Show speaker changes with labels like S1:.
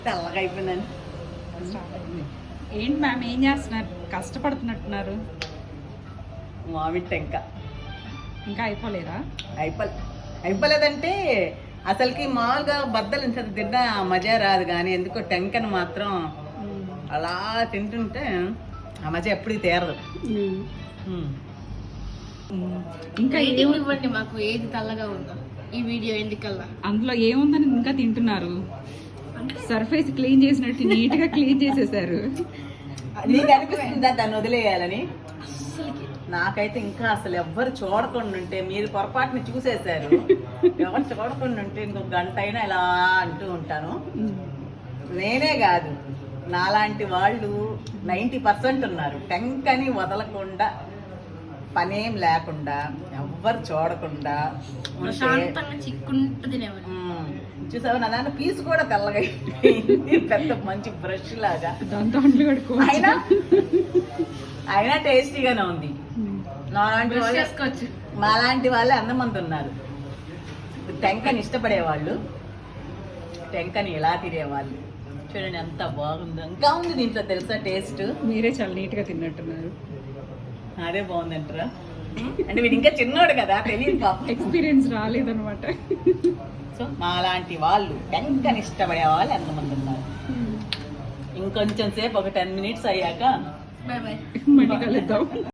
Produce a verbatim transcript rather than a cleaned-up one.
S1: తెల్లగా అయిపోయిందని.
S2: ఏంటి మ్యామ్ ఏం చేస్తున్నారు? కష్టపడుతున్నట్టున్నారు.
S1: మామిడి టెంక
S2: ఇంకా అయిపోలేదా?
S1: అయిపోలే అయిపోలేదంటే అసలుకి మామూలుగా బద్దలు ఇంత తిన్నా మజా రాదు, కానీ ఎందుకో టెంకను మాత్రం అలా తింటుంటే ఆ మజా ఎప్పటికి తీరదు.
S2: ఇంకా
S3: రేటింగ్ ఇవ్వండి మాకు, ఏది తెల్లగా ఉందో ఈ వీడియో ఎందుకల్లా.
S2: అందులో ఏముందని ఇంకా తింటున్నారు? సర్ఫేస్ క్లీన్ చేసినట్టు నీట్ గా క్లీన్ చేసేసారు.
S1: నీకు అనిపిస్తుందా దాన్ని వదిలేయాలని? నాకైతే ఇంకా అసలు ఎవ్వరు చూడకుండా ఉంటే, మీరు పొరపాటుని చూసేశారు, ఎవరు చూడకుండా ఉంటే ఇంకొక గంట అయినా ఇలా అంటూ ఉంటాను. నేనే కాదు, నాలాంటి వాళ్ళు నైంటీ పర్సెంట్ ఉన్నారు. టెంకని వదలకుండా, పనేం లేకుండా, ఎవ్వరు చూడకుండా
S3: ప్రశాంతంగా చిక్కుంటూ తినేవాడు.
S1: చూసావా నా దాంట్లో పీసు కూడా తెల్లగా అయిపోయింది, పెద్ద మంచి బ్రష్ లాగా. అయినా అయినా టేస్టీగానే ఉంది. నాలాంటి వాళ్ళు
S3: చేసుకోవచ్చు.
S1: మాలాంటి వాళ్ళే అందమంది ఉన్నారు. టెంకని ఇష్టపడేవాళ్ళు, టెంకని ఎలా తినేవాళ్ళు. చూడండి ఎంత బాగుందో. ఇంకా ఉంది దీంట్లో తెలుసా టేస్ట్.
S2: మీరే చాలా నీట్ గా తిన్నట్టున్నారు.
S1: అదే బాగుందంటారా? అంటే వీడు ఇంకా చిన్నోడు కదా, తెలియదు పాపం,
S2: ఎక్స్పీరియన్స్ రాలేదనమాట.
S1: సో మాలాంటి వాళ్ళు టెంకని ఇష్టపడే వాళ్ళు ఎంతమంది ఉన్నారు. ఇంకొంచెం సేపు ఒక టెన్ మినిట్స్ అయ్యాక
S3: బాయ్ బాయ్
S2: మళ్ళీ కలుద్దాం.